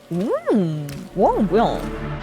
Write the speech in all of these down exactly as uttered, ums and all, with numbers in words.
음, 와 뭐야?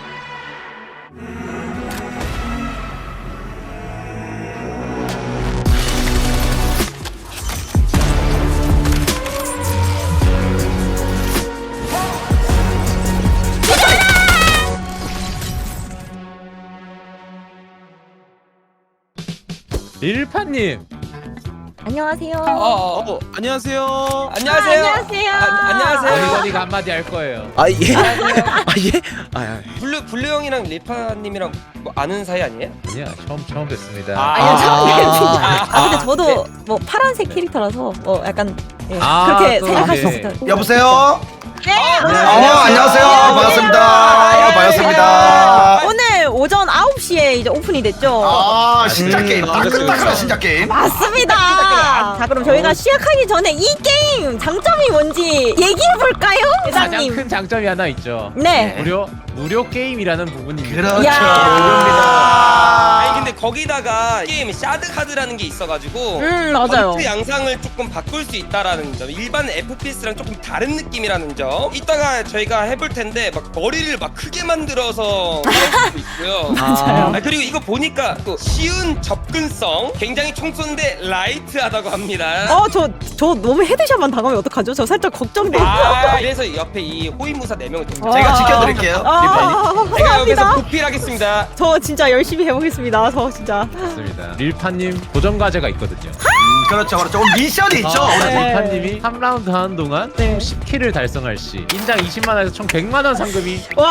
릴파님. 안녕하세요. 어, 어, 어, 안녕하세요. 안녕하세요. 안녕하세요. 아, 안녕하세요. 어디가 한마디 할 거예요. 아 예. 아 예. 아, 아. 블루 블루 형이랑 리파님이랑 뭐 아는 사이 아니에요? 아니야, 처음 처음 뵙습니다. 아, 아니요, 처음 뵙습니다. 아, 아, 근데 아, 저도 뭐 파란색 캐릭터라서 뭐 약간 예, 아, 그렇게 또, 생각할 수 네. 있을 것 여보세요? 네. 어, 안녕하세요. 반갑습니다. 반갑습니다. 오늘 오전 아홉 시에 이제 오픈이 됐죠. 아, 신작 음, 게임. 아, 그렇죠, 따끈따끈한 그렇죠. 신작 게임. 맞습니다. 자, 그럼 저희가 시작하기 전에 이 게임 장점이 뭔지 얘기해 볼까요, 가장 회장님? 큰 장점이 하나 있죠. 네. 무료 무료 게임이라는 부분입니다. 그렇죠. 야. 아니 근데 거기다가 게임 샤드 카드라는 게 있어가지고 음, 맞아요. 전투 양상을 조금 바꿀 수 있다라는 점, 일반 에프피에스랑 조금 다른 느낌이라는 점. 이따가 저희가 해볼 텐데 막 머리를 막 크게 만들어서 할 수도 있고요. 맞아요. 아, 그리고 이거 보니까 또 쉬운 접근성, 굉장히 총 쏘는데 라이트하다고 합니다. 어, 저, 저 너무 헤드샷만 당하면 어떡하죠? 저 살짝 걱정돼요. 아, 그래서 옆에 이 호위무사 네 명을 좀 제가 지켜드릴게요. 아, 제가 여기서 감사합니다. 보필하겠습니다. 저 진짜 열심히 해보겠습니다. 저 진짜. 맞습니다. 릴파님 도전 과제가 있거든요. 음, 그렇죠, 그렇죠. 오늘 미션이 있죠. 아, 네. 릴파님이 삼 라운드 하는 동안 네. 총 십 킬을 달성할 시 인장 이십만 원에서 총 백만 원 상금이 와!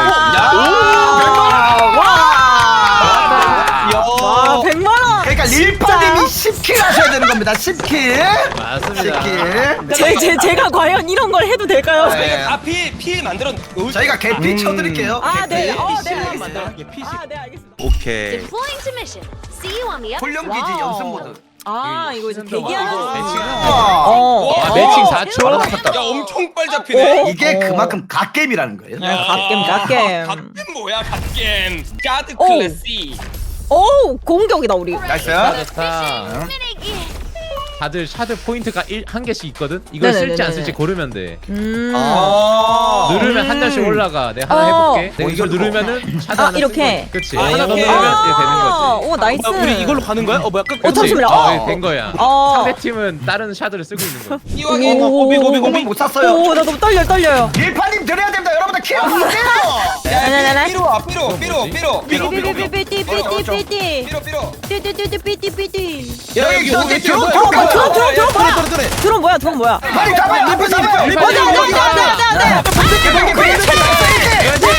야, 와, 백만 원! 그러니까 릴파님이 십 킬 하셔야 되는 겁니다. 십 킬. 맞습니다. 십 킬. 제, 제, 제가 과연 이런 걸 해도 될까요? 네. 저희가 다필 필 만들어 놓을 저희가 개피 쳐드릴게요. 아, 네. 개피. 어, 네, 피시를 알겠습니다. 만들어볼게요, 피시. 아, 네, 알겠습니다. 오케이. Deploying to mission. See you on the other 훈련기지 와우. 연습 모드. 아, 이거 이제 시즌 동안 대기하는 이거 매칭. 아, 어. 아, 와, 매칭 어. 사 초. 바로 잡혔다. 야 엄청 빨리 잡히네. 이게 어. 그만큼 갓게임이라는 거예요. 야, 갓겜, 갓겜. 갓겜 뭐야 갓겜. 가드 오. 클래시. 오, 공격이다, 우리. 나이스. 좋다. minute. 다들 샤드 포인트가 일, 한 개씩 있거든. 이걸 네네네네. 쓸지 안 쓸지 고르면 돼. 음. 아. 누르면 한 장씩 올라가. 내가 하나 어. 해볼게. 내가 어, 이걸 이거 누르면은 샤드 아, 하나 이렇게? 그렇지. 아, 하나 더 이렇게? 누르면 이렇게 되는 아, 거지. 오, 나이스. 아, 우리 이걸로 가는 거야? 어, 뭐 약간 어, 잠시만요. 어, 어. 네, 된 거야. 어. 상대 팀은 다른 샤드를 쓰고 있는 거야. 이왕에 오. 고비 고비 고비 못 샀어요. 오, 나 너무 떨려, 떨려요. 릴파님 드려야 됩니다. 여러분들 킬 하세요. 네네네. 삐로 와 삐로 삐로 삐로 삐로, 삐로, 삐로. 삐삐삐삐삐삐삐삐. 삐로 삐로. 삐삐삐삐삐삐삐. 야, 여기 여기 드론 어, 드론 어, 드론, 드론, 드론 뭐야? 그래 그래. 드론 뭐야, 드론 뭐야? 빨리 잡아요. 릴파 잡아요. 어디, 어디, 어디, 어디, 어디, 어디.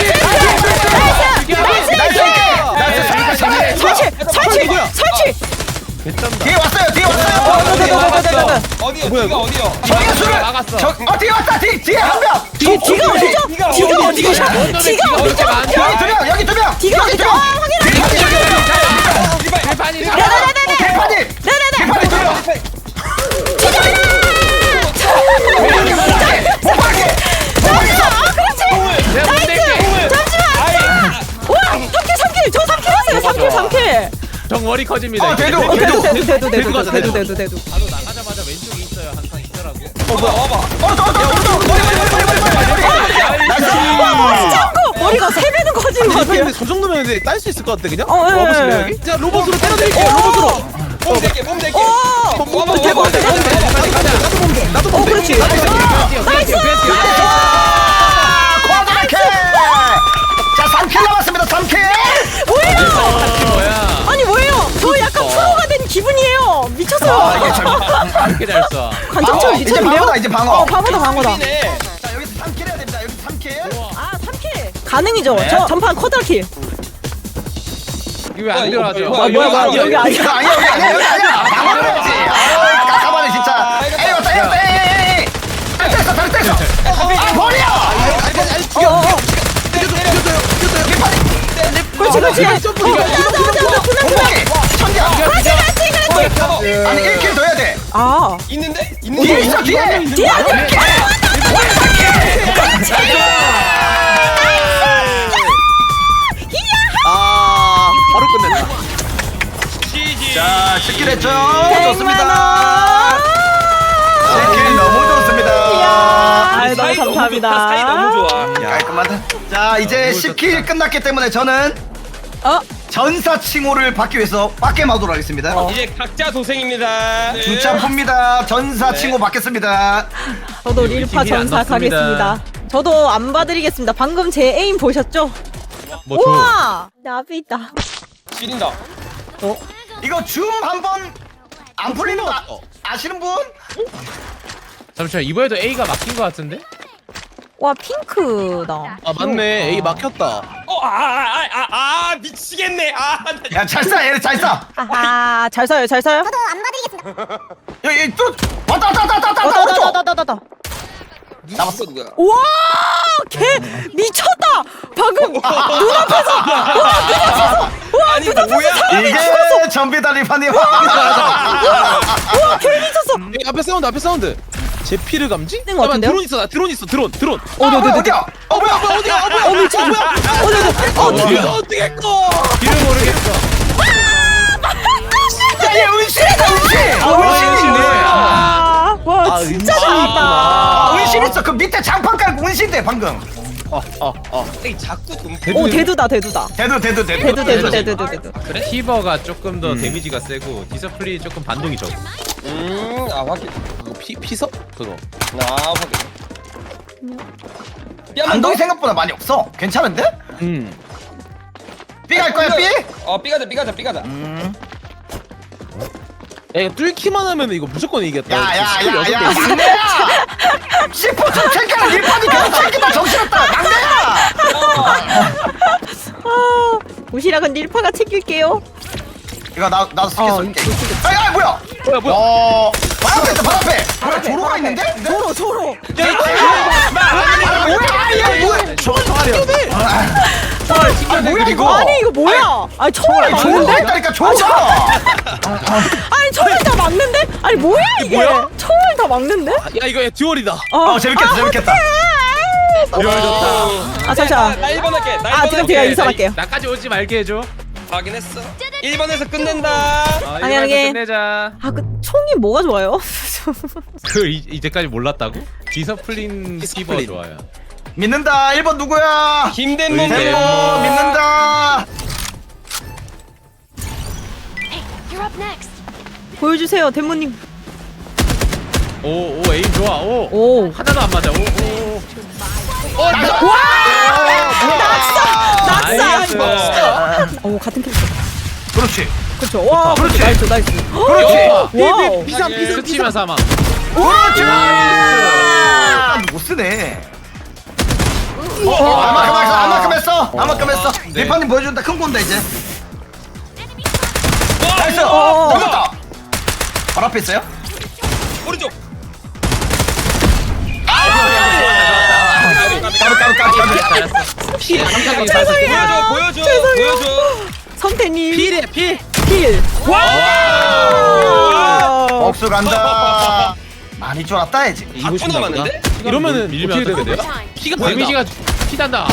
설치, 설치, 설치. 뒤에 왔어요. 뒤에 왔어요. 어디요? 뒤가 어디요? 정예수를 막았어. 저, 어 뒤에 왔다. 뒤 뒤에 한 명. 뒤, 뒤가 어디죠? 뒤가 어디죠? 뒤가 어디죠? 여기 두 명. 여기 두 명. 뒤가 어디죠? 확인해. 릴파님 네네네네. 릴파님. 네네네. 릴파님 두 명. 아, 그렇지. 내가 못 낼게. 잠시만. 우와, 삼 킬, 삼 킬. 저 삼 킬 했어요. 삼 킬, 삼 킬. 정월이 커집니다. 어, 이제. 대도. 어, 대도, 대도, 대도, 대도 대도, 가자, 대도, 대도. 대도, 대도. 바로 나가자마자 왼쪽에 있어요. 항상 있더라고. 어 뭐야? 와봐. 어, 저, 저, 저, 저, 머리, 머리, 머리, 머리, 머리, 머리. 와, 머리 짱구. 머리가 세 배는 커진 것 같아요. 근데 저 정도면 이제 딸 수 있을 것 같아 그냥? 어, 예, 와보실래요 예. 여기? 자 로봇으로 때려드릴게요. 로봇으로. 몸 대게 몸 대게. 오. 와봐 대박, 와봐. 대박, 나도 몸대. 나도 어, 몸대. 그렇지. 나이스. 쿼드라킬. 자, 삼 킬 남았습니다. 삼 킬. 뭐야? 아니 뭐예요? 저 약간 프로가 된 기분이에요. 미쳤어요. 아, 이게 참. 이렇게 잘 쏴. 관장처럼 이제 미쳤는데요? 방어다, 이제 방어. 어, 방어다, 방어다. 네. 자, 여기서 삼 킬 해야 됩니다. 여기서 삼 킬. 아, 삼 킬. 가능이죠. 저 전판 쿼드라킬. 이거 왜 안 들어가죠? 뭐야, 아, 뭐야, 뭐야. 여기, 여기 아니야. 이거 아니야, 여기 아니야, 여기 아니야. 방어를 해야지. 아, 깜깜하네, 진짜. 에이, 왔다, 에이, 왔다, 에이, 에이, 에이. 아, 됐어, 됐어, 됐어. 아, 머리야! 어, 어. 그렇지, 그렇지. 어, 맞아, 맞아, 맞아. 두명, 두명. 천장. 그렇지, 그렇지, 그렇지. 아니, 일 킬 더 해야 돼. 아. 있는데? 뒤에 있는데? 있어, 뒤에. 뒤에 안 돼. 아 바로 끝냈다. 지지. 자, 십 킬 했죠? 백만 좋습니다. 원. 십 킬 너무 좋습니다. 이야. 아, 너무 사이 너무 감사합니다. 좋다. 사이 너무 좋아. 야 잠깐만. 자 이제 너무 십 킬 좋다. 끝났기 때문에 저는 어? 전사 칭호를 받기 위해서 밖에 마도록 하겠습니다. 이제 각자 도생입니다. 주차 풉니다. 전사 네. 칭호 받겠습니다. 저도 우리 릴파 팀이 안 전사 넣습니다. 가겠습니다. 저도 안 봐드리겠습니다. 방금 제 에임 보셨죠? 뭐 줘? 우와! 나비다. 지린다. 이거 줌 한번 안 풀리는 거 아, 아시는 분? 잠시만 이번에도 A가 막힌 것 같은데? 와, 핑크다. 아 맞네. A 막혔다. 어, 아, 아, 아, 아, 아, 미치겠네. 아, 나 야 잘 쏴, 얘네 잘 쏴. 아하, 잘 써요, 잘 써요. 여기 또 왔다 왔다 왔다 왔다 어, 왔다 다, 오른쪽. 다, 다, 다, 다. 나왔어 누구야? 우와! 걔 미쳤다! 방금 눈앞에서! 우와, 눈앞에서! 우와, 아니 눈앞에서 뭐야? 사람이 이게 전비다 리파님. 우와, 걔 미쳤어! A 앞에 사운드 앞에 사운드. 제 피를 감지? 것 같은데요? 드론 있어 나 드론 있어 드론 드론. 어, 어디 어디 어디야? 어 뭐야? 뭐야 어디야 어 뭐야 어, 미쳤어! 어, 네, 네. 어, 어떻게 뭐야? 어떻게 했어? 길을 모르겠어. 야얘 은신이다 은신. 아, 은신이네. 아, 와, 아, 진짜 은신이구나. 재밌다. 아, 은신 있어. 그 밑에 장판 깔고 은신대 방금. 어어어 이 자꾸 좀 오, 대두다, 대두다. 대두 대두 대두. 대두, 대두, 대두, 대두. 그래? 티버가 조금 더 음. 데미지가 세고 디서플이 조금 반동이 적고. 음, 아 확인. 그거 피 피서 그거. 아 확인. 삐한번 반동이 더? 생각보다 많이 없어. 괜찮은데? 음. B 갈 거야 B? 어, 삐가자, 삐가자, 삐가자. 음. 야 이거 뚫기만 하면 이거 무조건 이겼다. 야야야야 막내야. 시포 좀 챙겨라. 리파님 계속 챙기다 정신없다. 막내야. 아, 도시락은 릴파가 챙길게요. 이거 나 나도 쓰게 어, 쓸게. 아야 뭐야? 뭐야 뭐야? 어. 발 앞에 있다 발 앞에. 뭐야 앞에, 조로가 발 있는데? 조로, 조로. 아 뭐야? 야 뭐야? 총알 총알이야. 아 뭐야 이거? 아니, 이거 뭐야? 아니, 총알 조로가 맞는데? 있다니까 조로가. 아니, 총알 다 막는데? 아니, 뭐야, 이게? 뭐야? 총알 다 막는데? 야 이거 듀얼이다. 어 재밌겠다 재밌겠다. 듀얼 좋다. 아, 잠시만. 나 일 번 할게. 나 일 번 아, 지금 할게. 제가 이사갈게요. 나까지 오지 말게 해줘. 확인했어. 일 번에서 끝낸다. 아, 아니, 이번에도 아니. 끝내자. 아, 그 총이 뭐가 좋아요? 그 이, 이제까지 몰랐다고? 디서플린 티버 디서플린. 좋아요. 믿는다. 일 번 누구야? 김대문. 의대. 템모 믿는다. Hey, you're up next. 보여주세요, 대모님. 오, 오, 에임 좋아. 오. 오. 하나도 안 맞아. 오, 오. 낙사! 나이스. 오, 같은 캐릭터. 그렇지. 그렇죠. 와, 그렇지. 나이스, 나이스. 그렇지. 와우. 비상 비상 스치면 사망. 그렇지. 못 쓰네. 어, 아마큼 했어, 아마큼 했어, 아마큼 했어. 네. 리파님 보여준다, 큰 건다 이제. 나이스. 어. 잡았다. 바로 앞에 있어요? 오른쪽. 까비 까비 까비 까비. 피 감사합니다. 죄송해요. 보여줘, 보여줘, 죄송해요. 보여줘. 성태님. 필이야 필. 필. 와! 복수 간다. 많이 쫄았다 이제. 아, 초 남았는데? 이러면은 밀리면 어떻게 어떡해? 되는데? Time. 피가 다르다. 데미지가 피단다.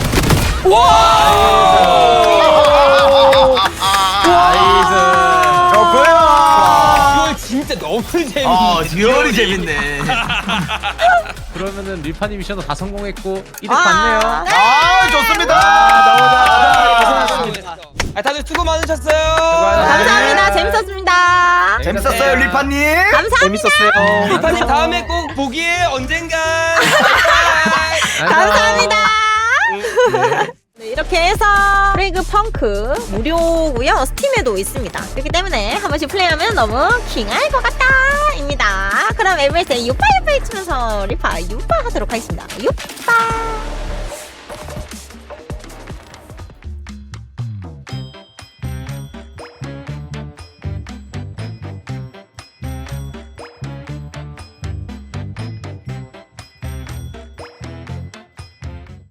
나이스. 좋고요. 이거 진짜 너무 재밌네. 어, 듀얼이 재밌네. 그러면은 릴파님 미션도 다 성공했고 이득 아. 봤네요. 아, 좋습니다. 고생하셨습니다. 아, 다들 수고 많으셨어요. 감사합니다. 재밌었습니다. 재밌었어요, 리파님. 감사합니다. 재밌었어요. 리파님 다음에 꼭 보기에 언젠가. 감사합니다. 네, 이렇게 해서 프레이그 펑크 무료고요. 스팀에도 있습니다. 그렇기 때문에 한 번씩 플레이하면 너무 킹할 것 같다 입니다. 그럼 엘비에스의 유파 유파 해치면서 리파 유파 하도록 하겠습니다. 유파.